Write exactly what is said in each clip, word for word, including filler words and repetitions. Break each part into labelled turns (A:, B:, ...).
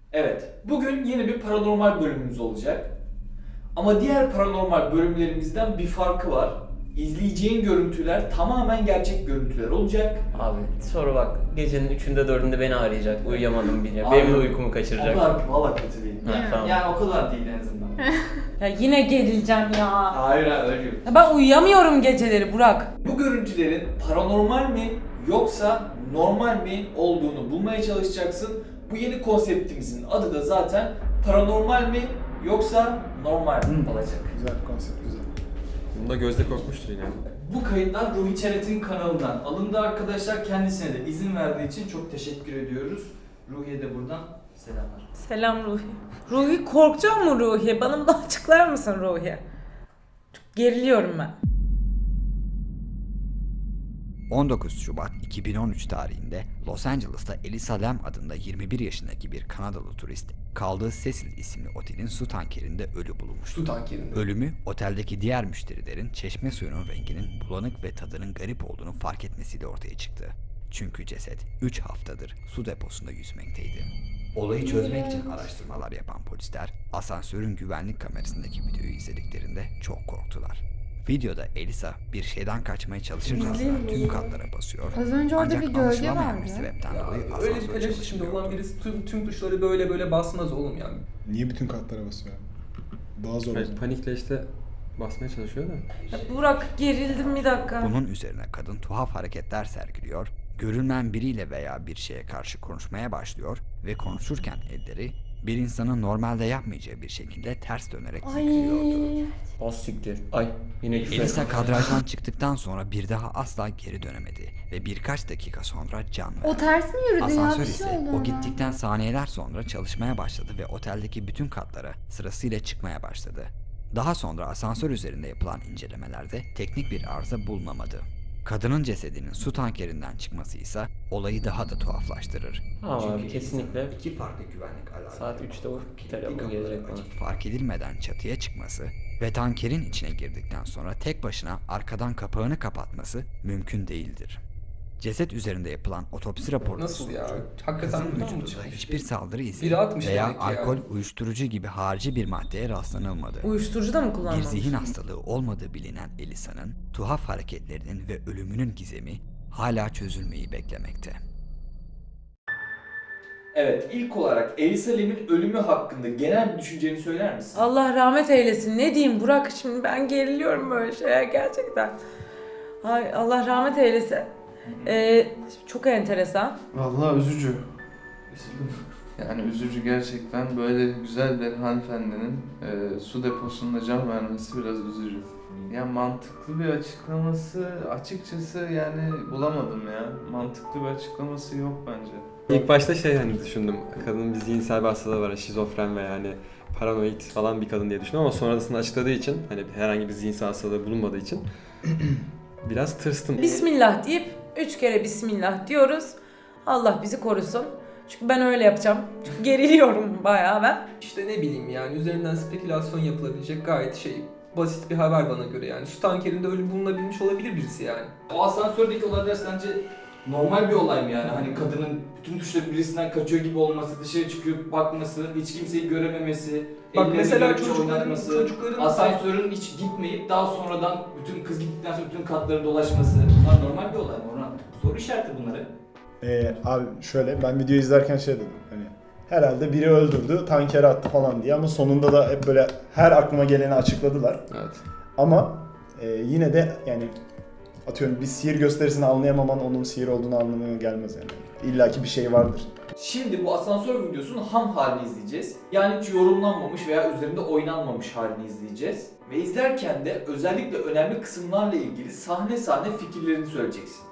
A: Evet, bugün yeni bir paranormal bölümümüz olacak. Ama diğer paranormal bölümlerimizden bir farkı var. İzleyeceğin görüntüler tamamen gerçek görüntüler olacak.
B: Abi sonra bak gecenin üçünde dördünde beni arayacak. Uyuyamadım bile.
A: Abi,
B: Benim de uykumu
A: O
B: kaçıracak.
A: kadar valla kötü değil.
B: Ha, tamam.
A: Yani o kadar değil en azından.
C: Ya yine gerileceğim ya.
A: Hayır hayır öyle yok.
C: Ya ben uyuyamıyorum geceleri Burak.
A: Bu görüntülerin paranormal mi yoksa normal mi olduğunu bulmaya çalışacaksın. Bu yeni konseptimizin adı da zaten paranormal mi yoksa normal mi olacak.
D: Güzel konsept, güzel.
E: Bunda gözde korkmuştur yine.
A: Bu kayıtlar Ruhi Çenet'in kanalından alındı arkadaşlar. Kendisine de izin verdiği için çok teşekkür ediyoruz. Ruhi'ye de buradan selamlar.
C: Selam Ruhi. Ruhi korkacak mı Ruhi? Bana bunu açıklar mısın Ruhi? Çok geriliyorum ben.
F: on dokuz Şubat iki bin on üç tarihinde Los Angeles'ta Elisa Lam adında yirmi bir yaşındaki bir Kanadalı turist kaldığı Cecil isimli otelin su tankerinde ölü bulunmuştu.
D: Su tankerinde.
F: Ölümü oteldeki diğer müşterilerin çeşme suyunun renginin bulanık ve tadının garip olduğunu fark etmesiyle ortaya çıktı. Çünkü ceset üç haftadır su deposunda yüzmekteydi. Olayı çözmek için araştırmalar yapan polisler asansörün güvenlik kamerasındaki videoyu izlediklerinde çok korktular. Videoda Elisa bir şeyden kaçmaya çalışırcasına
C: İzleyeyim
F: tüm
C: mi?
F: katlara basıyor.
G: Az önce orada
F: Ancak
G: bir gölge
F: anlaşılamayan
G: vardı.
F: bir sebepten
H: Ya
F: dolayı
H: öyle bir
F: asansör
H: kalem içinde
F: çalışmıyordu.
H: olan birisi tüm, tüm tuşları böyle böyle basmaz oğlum yani.
D: Niye bütün katlara basıyor abi? Daha zor o
E: Hayır,
D: zaman.
E: panikle işte basmaya çalışıyor da.
C: Ya Burak gerildim bir dakika.
F: Bunun üzerine kadın tuhaf hareketler sergiliyor, görünmeyen biriyle veya bir şeye karşı konuşmaya başlıyor ve konuşurken elleri bir insanın normalde yapmayacağı bir şekilde ters dönerek titriyordu.
B: Az siktir. Ay yine küfür.
F: Elisa kadrajdan çıktıktan sonra bir daha asla geri dönemedi ve birkaç dakika sonra can verdi.
G: O ters mi yürüdü ya?
F: Asansör
G: Bir şey
F: ise
G: oldu
F: o
G: ona.
F: gittikten saniyeler sonra çalışmaya başladı ve oteldeki bütün katlara sırasıyla çıkmaya başladı. Daha sonra asansör üzerinde yapılan incelemelerde teknik bir arıza bulunamadı. Kadının cesedinin su tankerinden çıkması ise olayı daha da tuhaflaştırır.
B: Ama
F: Çünkü
B: abi kesinlikle
F: iki farklı güvenlik alarmı
B: saat üçte o
F: kilitli
B: telefon
F: kapıları
B: gelecek bana.
F: açıp fark edilmeden çatıya çıkması ve tankerin içine girdikten sonra tek başına arkadan kapağını kapatması mümkün değildir. Ceset üzerinde yapılan otopsi raporunda
H: Nasıl ya?
F: sonucu,
H: Hakikaten
F: kızın
H: buradan mı
F: vücudunda
H: çıkmış?
F: hiçbir saldırı izi
H: Biri atmış
F: veya
H: demek ki ya.
F: alkol, uyuşturucu gibi harici bir maddeye rastlanılmadı.
C: Uyuşturucu da mı
F: Bir
C: kullanmamış?
F: zihin hastalığı olmadığı bilinen Elisa'nın tuhaf hareketlerinin ve ölümünün gizemi hala çözülmeyi beklemekte.
A: Evet, ilk olarak Elisa Lam'in ölümü hakkında genel bir düşünceni söyler misin?
C: Allah rahmet eylesin. Ne diyeyim Burak, şimdi ben geriliyorum böyle şeye gerçekten. Ay Allah rahmet eylesin. Ee, çok enteresan.
I: Vallahi üzücü. Yani üzücü gerçekten, böyle güzel bir hanımefendinin e, su deposunda can vermesi biraz üzücü. Ya mantıklı bir açıklaması açıkçası yani bulamadım ya. Mantıklı bir açıklaması yok bence.
E: İlk başta şey hani düşündüm. Kadının bir zihinsel bir hastalığı var. Şizofren ve yani paranoid falan bir kadın diye düşündüm ama sonrasında açıkladığı için hani herhangi bir zihinsel hastalığı bulunmadığı için biraz tırstım.
C: Bismillah deyip üç kere Bismillah diyoruz. Allah bizi korusun. Çünkü ben öyle yapacağım. Çünkü geriliyorum bayağı ben.
H: İşte ne bileyim yani üzerinden spekülasyon yapılabilecek gayet şey basit bir haber bana göre yani. Su tankerinde ölü bulunabilmiş olabilir birisi yani.
A: O asansördeki olaylar sence normal bir olay mı yani? Hani kadının bütün tuşları birisinden kaçıyor gibi olması, dışarı çıkıp bakması, hiç kimseyi görememesi,
H: Bak
A: ellerini
H: mesela
A: görünce
H: çocukların,
A: oynatması,
H: çocukların
A: asansörün hiç gitmeyip daha sonradan bütün kız gittikten sonra bütün katları dolaşması. Bunlar normal bir olay mı Orhan? Soru işareti bunları.
D: Ee, abi şöyle, ben video izlerken şey dedim. Hani herhalde biri öldürdü, tankere attı falan diye, ama sonunda da hep böyle her aklıma geleni açıkladılar.
I: Evet.
D: Ama e, yine de yani atıyorum bir sihir gösterisini anlayamaman onun sihir olduğunu anlamına gelmez yani. İlla ki bir şey vardır.
A: Şimdi bu asansör videosunun ham halini izleyeceğiz. Yani hiç yorumlanmamış veya üzerinde oynanmamış halini izleyeceğiz. Ve izlerken de özellikle önemli kısımlarla ilgili sahne sahne fikirlerini söyleyeceksin.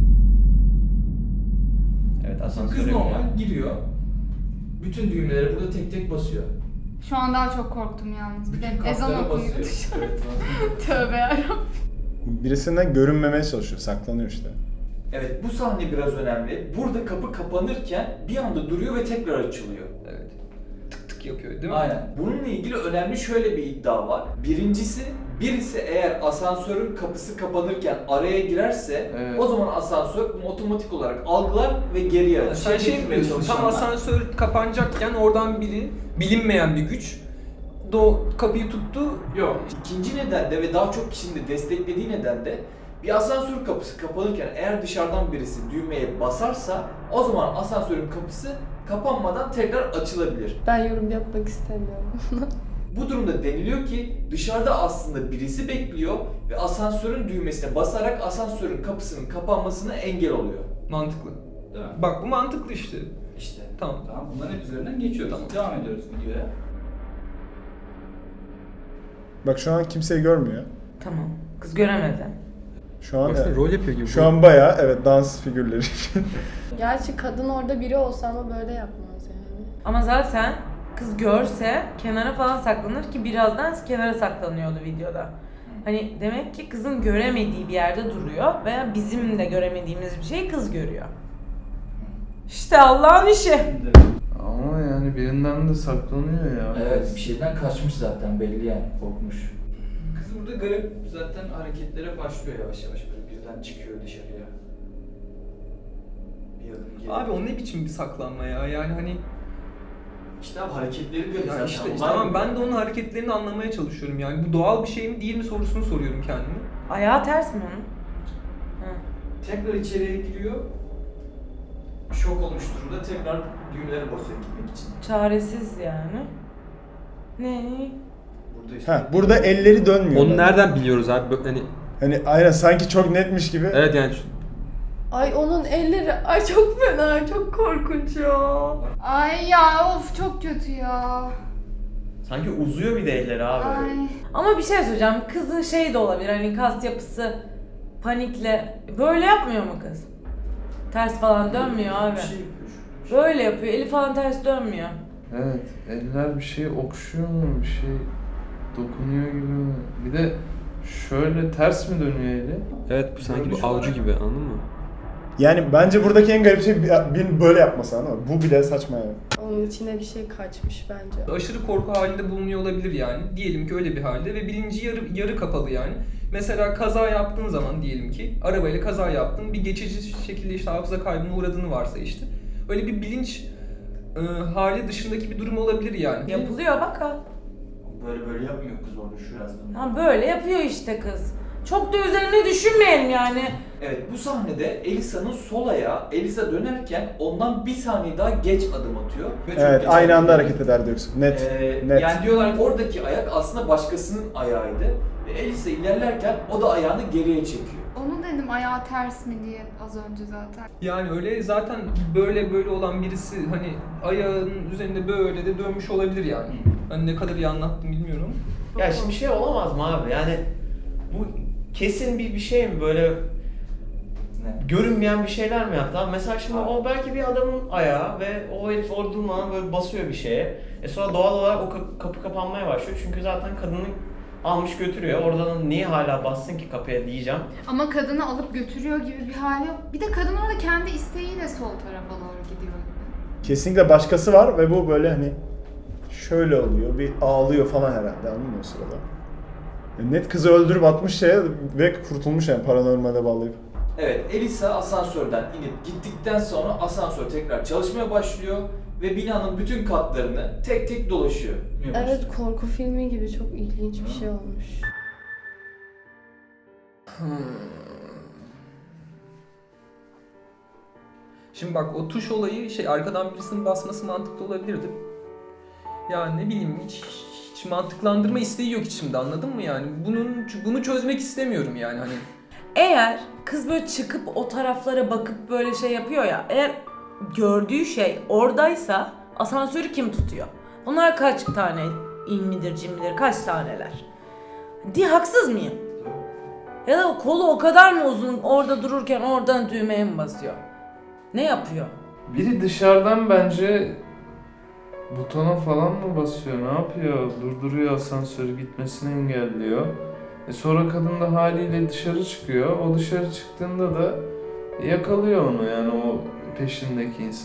B: Evet
A: Kız
B: asansöre
A: normal giriyor. Bütün düğmeleri burada tek tek basıyor.
G: Şu an daha çok korktum yalnız. Bir de
A: Bütün
G: ezan
A: kaslara
G: okuyor.
A: basıyor. Evet.
G: Tövbe yarabbim.
D: Birisinden görünmemeye çalışıyor, saklanıyor işte.
A: Evet, bu sahne biraz önemli. Burada kapı kapanırken bir anda duruyor ve tekrar açılıyor.
H: evet. Tık tık mantık yapıyor değil mi?
A: Aynen. Bununla ilgili önemli şöyle bir iddia var. Birincisi, birisi eğer asansörün kapısı kapanırken araya girerse
I: Evet.
A: o zaman asansör bunu otomatik olarak algılar ve geriye
H: Yani
A: alır.
H: sen şey
A: getirmeye
H: yapıyorsun, tam
A: çalışanlar.
H: asansör kapanacakken oradan biri, bilinmeyen bir güç do kapıyı tuttu.
A: Yok. İkinci neden de ve daha çok kişinin de desteklediği neden de bir asansör kapısı kapanırken eğer dışarıdan birisi düğmeye basarsa o zaman asansörün kapısı kapanmadan tekrar açılabilir.
J: Ben yorum yapmak istemiyorum.
A: Bu durumda deniliyor ki dışarıda aslında birisi bekliyor ve asansörün düğmesine basarak asansörün kapısının kapanmasına engel oluyor.
H: Mantıklı.
K: Değil mi?
H: Bak bu mantıklı işte.
K: İşte.
H: Tamam.
K: Tamam, bunların hep üzerinden geçiyoruz.
H: Tamam.
K: Devam ediyoruz videoya.
D: Bak şu an kimseyi görmüyor.
C: Tamam. Kız göremedi.
D: Şu an
E: Baksana
D: evet.
E: rol yapıyor gibi.
D: Şu an bayağı evet dans figürleri.
J: Gerçi kadın orada biri olsa ama böyle yapmaz yani.
C: Ama zaten kız görse kenara falan saklanır ki birazdan kenara saklanıyordu videoda. Hani demek ki kızın göremediği bir yerde duruyor veya bizim de göremediğimiz bir şeyi kız görüyor. İşte Allah'ın işi.
I: Ama yani birinden de saklanıyor ya.
K: Evet, bir şeyden kaçmış zaten belli yani, korkmuş. Kız burada garip zaten hareketlere başlıyor yavaş yavaş, böyle birden çıkıyor dışarıya. Bir adım geri.
H: Abi o ne biçim bir saklanma ya, yani hani
A: İşte abi hareketleri garip
H: ya
A: zaten.
H: işte, işte
A: Onlar-
H: tamam, ben de onun hareketlerini anlamaya çalışıyorum yani. Bu doğal bir şey mi değil mi sorusunu soruyorum kendime.
C: Ayağı ters mi onun? Hı.
A: Tekrar içeriye giriyor. Şok olmuş durumda tekrar düğmelere basıyor gitmek için.
C: Çaresiz yani. Ne?
A: Burada işte.
D: Ha, burada elleri dönmüyor.
E: Onu nereden biliyoruz abi? Böyle Hani
D: Hani aynen sanki çok netmiş gibi.
E: evet yani
J: Ay onun elleri, ay çok fena, çok korkunç ya.
G: Ay ya of çok kötü ya.
B: Sanki uzuyor bir de elleri abi.
G: Ay.
C: Ama bir şey söyleyeceğim. Kızın şey de olabilir. Hani kas yapısı panikle böyle yapmıyor mu kız? Ters falan dönmüyor abi.
A: Bir şey yapıyor şu.
C: Böyle yapıyor. Eli falan ters dönmüyor.
I: Evet, eller bir şey okşuyor mu, bir şey dokunuyor gibi mi? Bir de şöyle ters mi dönüyor eli?
E: evet bu sanki
A: Görünüş
E: bu avcı
A: olarak-
E: gibi, anladın mı?
D: Yani bence buradaki en garip şey bir- birinin böyle yapması, anladın mı? Bu bile saçma yani.
J: Onun içine bir şey kaçmış bence.
H: Aşırı korku halinde bulunuyor olabilir yani. Diyelim ki öyle bir halde ve bilinci yarı, yarı kapalı yani. Mesela kaza yaptığın zaman diyelim ki arabayla kaza yaptın, bir geçici şekilde işte hafıza kaybına uğradığını varsa işte. Öyle bir bilinç e, hali dışındaki bir durum olabilir yani.
C: Yapılıyor bak ha.
A: Böyle böyle yapmıyor kız orada şu yazdım.
C: Ha böyle yapıyor işte kız. Çok da üzerine düşünmeyelim yani.
A: Evet, bu sahnede Elisa'nın sol ayağı Elisa dönerken ondan bir saniye daha geç adım atıyor. Ve çok
D: Evet,
A: geç
D: aynı
A: adım
D: anda
A: atıyor.
D: hareket eder diyorsun. Net.
A: Ee,
D: net.
A: Yani diyorlar ki oradaki ayak aslında başkasının ayağıydı. Ve Elisa ilerlerken o da ayağını geriye çekiyor.
G: Onu dedim ayağı ters mi diye az önce zaten.
H: Yani öyle zaten böyle böyle olan birisi hani ayağının üzerinde böyle de dönmüş olabilir yani. Hani ne kadar iyi anlattım bilmiyorum.
B: Ya şimdi şey olamaz mı abi? Yani bu kesin bir bir şey mi böyle
A: Ne?
B: görünmeyen bir şeyler mi yaptı? Abi mesela şimdi
A: Abi.
B: o belki bir adamın ayağı ve o herif orada durmadan böyle basıyor bir şeye. E sonra doğal olarak o kapı, kapı kapanmaya başlıyor çünkü zaten kadını almış götürüyor. Oradan niye hala bassın ki kapıya diyeceğim.
G: Ama kadını alıp götürüyor gibi bir hali yok. Bir de kadın orada kendi isteğiyle sol tarafa doğru gidiyor gibi.
D: Kesinlikle başkası var ve bu böyle hani şöyle oluyor, bir ağlıyor falan herhalde, anladın mı o sırada? Yani net kızı öldürüp atmış şeye ve kurtulmuş yani paranormale bağlayıp.
A: Evet, Elisa asansörden inip gittikten sonra asansör tekrar çalışmaya başlıyor ve binanın bütün katlarını tek tek dolaşıyor.
J: Evet, korku filmi gibi çok ilginç bir şey olmuş.
H: Şimdi bak o tuş olayı şey arkadan birisinin basması mantıklı olabilirdi. Yani ne bileyim hiç, hiç mantıklandırma isteği yok içimde, anladın mı yani? Bunun bunu çözmek istemiyorum yani hani.
C: Eğer kız böyle çıkıp o taraflara bakıp böyle şey yapıyor ya, eğer gördüğü şey oradaysa asansörü kim tutuyor? Bunlar kaç tane ilmidir, cimridir, kaç taneler? Diye haksız mıyım? Ya da o kolu o kadar mı uzun orada dururken oradan düğmeye mi basıyor? Ne yapıyor?
I: Biri dışarıdan bence butona falan mı basıyor, ne yapıyor? Durduruyor asansörü, gitmesini engelliyor. E sonra kadın da haliyle dışarı çıkıyor. O dışarı çıktığında da yakalıyor onu, yani o peşindeki insan.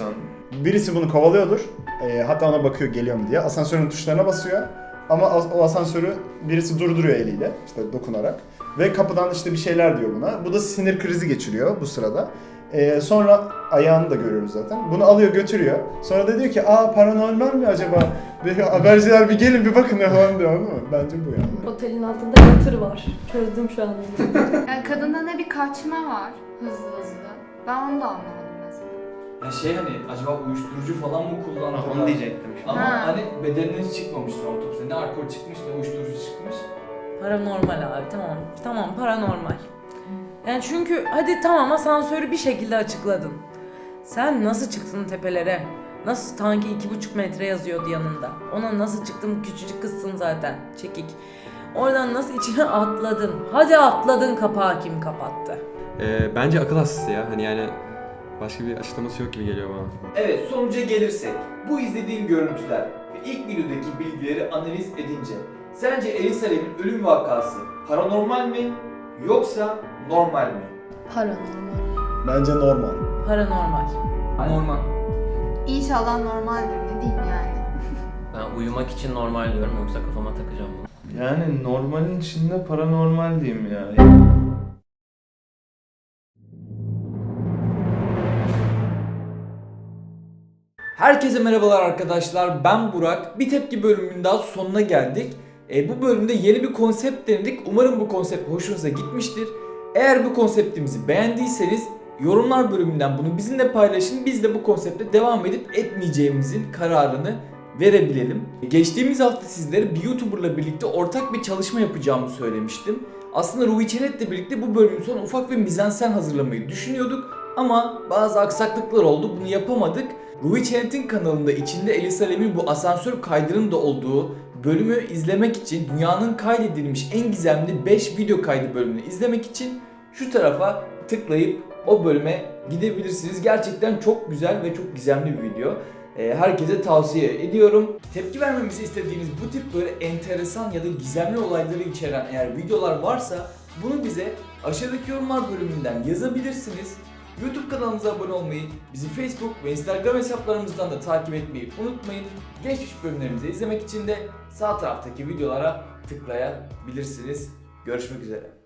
D: Birisi bunu kovalıyordur. E, hatta ona bakıyor geliyor mu diye. Asansörün tuşlarına basıyor. Ama as- o asansörü birisi durduruyor eliyle işte dokunarak. Ve kapıdan işte bir şeyler diyor buna. Bu da sinir krizi geçiriyor bu sırada. Ee, sonra ayağını da görüyoruz zaten. Bunu alıyor götürüyor. Sonra da diyor ki aa paranormal mi acaba? Bir haberciler bir gelin bir bakın ne falan diyor, anladın mı? Bence bu yani.
J: Otelin altında yatır var. Çözdüm şu an.
G: Yani kadında ne bir kaçma var hızlı hızlı. Ben onu da anlamadım mesela.
A: Ya şey hani acaba uyuşturucu falan mı kullandı?
B: Ha, onu diyecektim şimdi.
A: Ama
G: Ha.
A: hani bedeninden hiç çıkmamıştır otopside. Ne alkol çıkmış ne uyuşturucu çıkmış.
C: Paranormal abi, tamam. Tamam, paranormal. Yani çünkü hadi tamam, asansörü bir şekilde açıkladın. Sen nasıl çıktın tepelere? Nasıl, tanki iki buçuk metre yazıyordu yanında. Ona nasıl çıktın, küçücük kızsın zaten, çekik. Oradan nasıl içine atladın? Hadi atladın, kapağı kim kapattı?
E: Ee, bence akıl hastası ya. Hani yani başka bir açıklaması yok gibi geliyor bana.
A: Evet, sonuca gelirsek, bu izlediğin görüntüler ve ilk videodaki bilgileri analiz edince sence Elisa Lam'in ölüm vakası paranormal mi yoksa normal mi?
J: Paranormal.
D: Bence normal.
C: Paranormal.
H: Normal.
G: İnşallah normaldir, ne diyeyim yani.
B: Ben uyumak için normal diyorum, yoksa kafama takacağım bunu.
I: Yani normalin içinde paranormal diyeyim ya.
A: Herkese merhabalar arkadaşlar, ben Burak. Bir Tepki bölümünün daha sonuna geldik. E, bu bölümde yeni bir konsept denedik. Umarım bu konsept hoşunuza gitmiştir. Eğer bu konseptimizi beğendiyseniz yorumlar bölümünden bunu bizimle paylaşın. Biz de bu konsepte devam edip etmeyeceğimizin kararını verebilelim. Geçtiğimiz hafta sizlere bir YouTuber'la birlikte ortak bir çalışma yapacağımı söylemiştim. Aslında Ruhi Çenet'le birlikte bu bölümün sonu ufak bir mizansen hazırlamayı düşünüyorduk. Ama bazı aksaklıklar oldu, bunu yapamadık. Ruhi Çenet'in kanalında içinde Elisa Lam'in bu asansör kaydının da olduğu bölümü izlemek için, dünyanın kaydedilmiş en gizemli beş video kaydı bölümünü izlemek için şu tarafa tıklayıp o bölüme gidebilirsiniz. Gerçekten çok güzel ve çok gizemli bir video. Herkese tavsiye ediyorum. Tepki vermemizi istediğiniz bu tip böyle enteresan ya da gizemli olayları içeren eğer videolar varsa bunu bize aşağıdaki yorumlar bölümünden yazabilirsiniz. YouTube kanalımıza abone olmayı, bizi Facebook ve Instagram hesaplarımızdan da takip etmeyi unutmayın. Geçmiş bölümlerimizi izlemek için de sağ taraftaki videolara tıklayabilirsiniz. Görüşmek üzere.